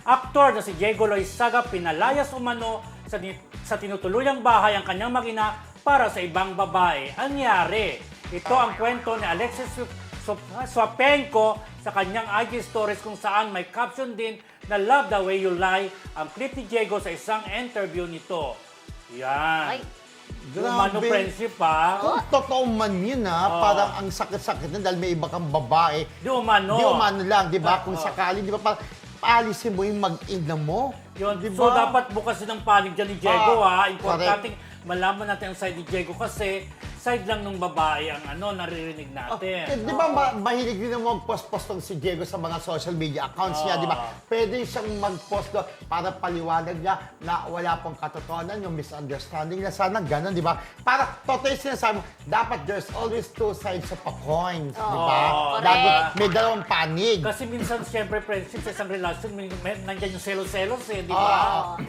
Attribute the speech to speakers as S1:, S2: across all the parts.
S1: aktor na si Diego Loizaga pinalayas umano sa tinutuluyang bahay ang kanyang mag-ina para sa ibang babae. Anyari, ito ang kwento ni Alexis Swapenko sa kanyang IG stories kung saan may caption din na "Love the way you lie" ang clip ni Diego sa isang interview nito. Yan.
S2: Ay.
S1: Umano friendship pa.
S3: Kung totoo man yun parang ang sakit-sakit na dahil may iba kang babae.
S1: Di umano.
S3: Di umano lang, di ba? Kung sakali, di ba, parang paalisin mo yung mag-ina mo.
S1: Yun.
S3: Di
S1: So
S3: ba?
S1: dapat bukas din ang panig dyan ni Diego Importante
S3: correct.
S1: malaman natin ang side ni Diego kasi side lang ng babae ang naririnig natin.
S3: Di ba mahilig din mo mag-post-post tong si Diego sa mga social media accounts niya, di ba? Pwede siyang mag-post doon para paliwanag niya na wala pong katotohanan, yung misunderstanding na sana gano'n, di ba? Para totoo yung sinasabi mo, dapat there's always two sides of a coin, di ba? Lagi may dalawang panig.
S1: Kasi minsan, siyempre, friendship sa isang relasyon, nandiyan yung selos-selos di ba?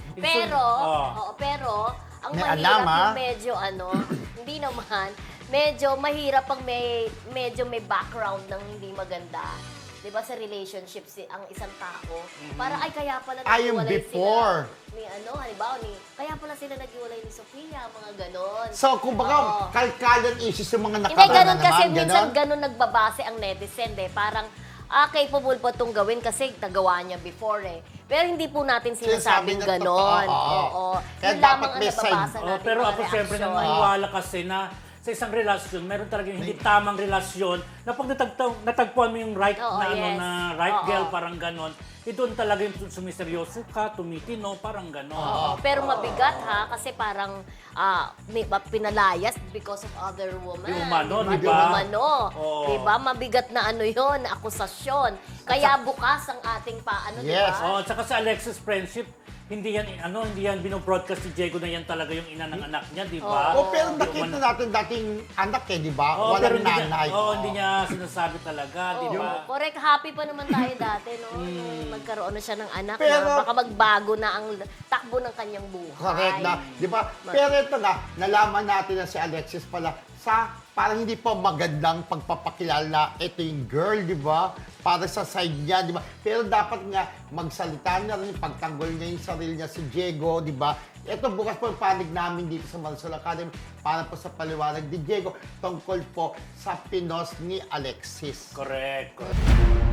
S2: Pero, ang
S3: May
S2: mahirap
S3: alam,
S2: yung medyo hindi naman, medyo mahirap pag medyo may background ng hindi maganda. 'Di ba sa relationship ang isang tao, para kaya pala
S3: Yung
S2: naghiwalay
S3: before.
S2: sila. Halimbawa kaya pala sila naghiwalay ni Sofia, mga ganon.
S3: So, kumbaga, kalkalan issues yung mga
S2: Hindi,
S3: nakaraan
S2: ganun
S3: na
S2: kasi
S3: naman,
S2: minsan
S3: ganon?
S2: ganun nagbabase ang netizen Parang, capable po itong gawin kasi nagawa niya before Pero hindi po natin sinasabing
S3: Sinasabi na
S2: ganon.
S3: totoo,
S2: Oo.
S3: Kaya
S2: Yun lamang
S3: dapat
S2: ang
S3: may side.
S2: nababasa natin
S1: Pero
S2: mga
S1: ako siyempre
S2: reaksyon.
S1: naniniwala kasi na sa isang relasyon, meron talaga yung hindi tamang relasyon na pag natagpuan mo yung right na right girl, parang ganon, doon talaga yung sumiseryoso ka, tumitino, parang ganon.
S2: Pero mabigat kasi parang pinalayas because of other woman.
S1: Di umano,
S2: Di
S1: di ba?
S2: umano.
S1: Oo.
S2: Di ba? Mabigat na yun, na akusasyon. Kaya bukas ang ating di
S3: Yes.
S2: ba?
S1: At saka sa Alexis friendship, hindi yan binobroadcast ni Diego na yan talaga yung ina ng anak niya, di ba?
S3: Pero nakita natin dating anak di ba?
S1: Pero
S3: Walang nanay.
S1: hindi niya sinasabi talaga, di ba?
S2: Correct. Happy pa naman tayo dati, no? Nung magkaroon na siya ng anak
S3: Pero-
S2: na baka magbago na ang takbo ng kanyang buhay.
S3: Correct na, di ba? Pero ito nalaman natin na si Alexis pala sa parang hindi pa magandang pagpapakilala ito yung girl, di ba? Para sa side niya, di ba? Pero dapat nga magsalita na rin, pagtanggol niya yung sarili niya si Diego, di ba? Ito bukas po ang panig namin dito sa Marisol Academy para po sa paliwanag ni Diego tungkol po sa pinos ni Alexis.
S1: Correct.